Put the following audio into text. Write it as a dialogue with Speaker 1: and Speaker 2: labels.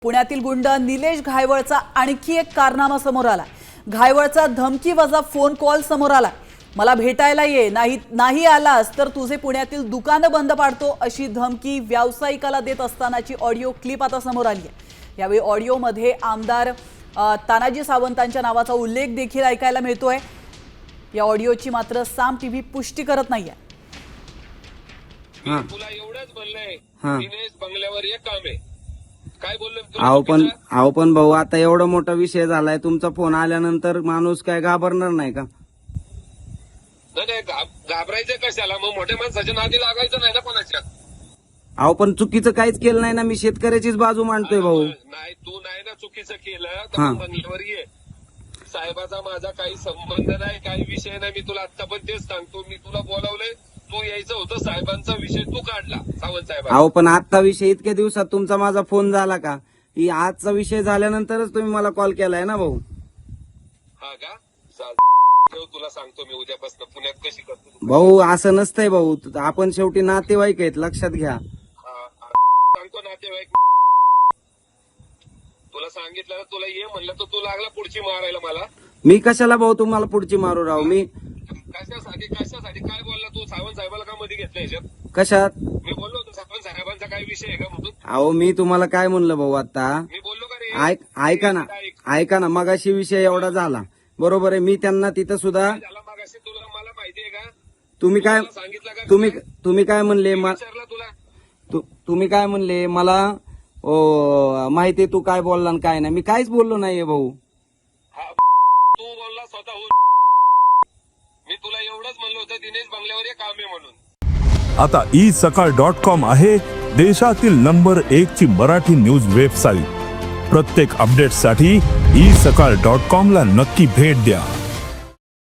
Speaker 1: पुण्यातील गुंड निलेश घायवळचा आणखी एक कारनामा समोर आला। घायवळचा धमकीवजा फोन कॉल समोर आला। मला भेटायला ये, नाही आलास तर तुझे पुण्यातील दुकानं बंद पाडतो अशी धमकी व्यावसायिकाला देत असतानाची ऑडिओ क्लिप आता समोर आली आहे। यावेळी ऑडिओमध्ये आमदार तानाजी सावंतांच्या नावाचा उल्लेख देखील ऐकायला मिळतोय। या ऑडिओची मात्र साम टीव्ही पुष्टी करत नाहीये।
Speaker 2: तुला एवढंच बोललंय दिनेश बंगल्यावर एक काम आहे काय बोललो
Speaker 3: आहो पण भाऊ आता एवढा मोठा विषय झालाय, तुमचा फोन आल्यानंतर माणूस काय घाबरणार नाही का?
Speaker 2: नाही घाबरायचं कशाला, मग मोठ्या माणसाच्या नादी लागायचं नाही ना कोणाच्या।
Speaker 3: अहो पण चुकीचं काहीच केलं नाही ना, मी शेतकऱ्याचीच बाजू मांडतोय भाऊ।
Speaker 2: नाही तू नाही ना चुकीचं केलं तर बंगल्यावर ये। साहेबाचा माझा काही संबंध नाही, काही विषय नाही, मी तुला आता पण तेच सांगतो। मी तुला बोलावलंय, तू यायचं होतं, साहेबांचा विषय तू काढला, सावंत साहेब।
Speaker 3: अहो पण आजचा विषय इतक्या दिवसात तुमचा माझा फोन झाला का? ही आजचा विषय झाल्यानंतरच तुम्ही मला कॉल केलाय ना भाऊ।
Speaker 2: हा का? तुला सांगतो मी उद्यापासून पुण्यात कशी करतो
Speaker 3: भाऊ। असं नसतंय भाऊ, आपण शेवटी नातेवाईक आहेत, लक्षात घ्या।
Speaker 2: सांगतो नातेवाईक, तुला सांगितलं तुला ये म्हणलं तर तू लागला पुढची मारायला मला।
Speaker 3: मी कशाला भाऊ तुम्हाला पुढची मारू राहू? मी
Speaker 2: कशासाठी काय बोलला तू? सावंत साहेबाला का मध्ये घेतलं याच्यात?
Speaker 3: कशात?
Speaker 2: मी बोललो होतो सावंत साहेबांचा काय विषय आहे का म्हणून।
Speaker 3: अहो मी तुम्हाला काय म्हणलं भाऊ आता?
Speaker 2: मी बोललो का रे?
Speaker 3: ऐका ना मगाशी विषय एवढा झाला, बरोबर आहे। मी त्यांना तिथं सुद्धा
Speaker 2: मगाशी तुला मला माहितीये का
Speaker 3: तुम्ही काय
Speaker 2: सांगितलं का?
Speaker 3: तुम्ही काय म्हणले
Speaker 2: विचारलं तुला?
Speaker 3: तुम्ही काय म्हणले मला? माहितीये तू काय बोलला आणि काय नाही? मी काहीच बोललो नाहीये भाऊ।
Speaker 2: तू बोलला स्वतःहून। मी तुला एवढंच म्हणलं होतं दिनेश बंगल्यावर एक काम आहे म्हणून।
Speaker 4: आता isakal.com आहे देशातील नंबर 1 ची मराठी न्यूज वेबसाईट। प्रत्येक अपडेटसाठी isakal.com ला नक्की भेट द्या।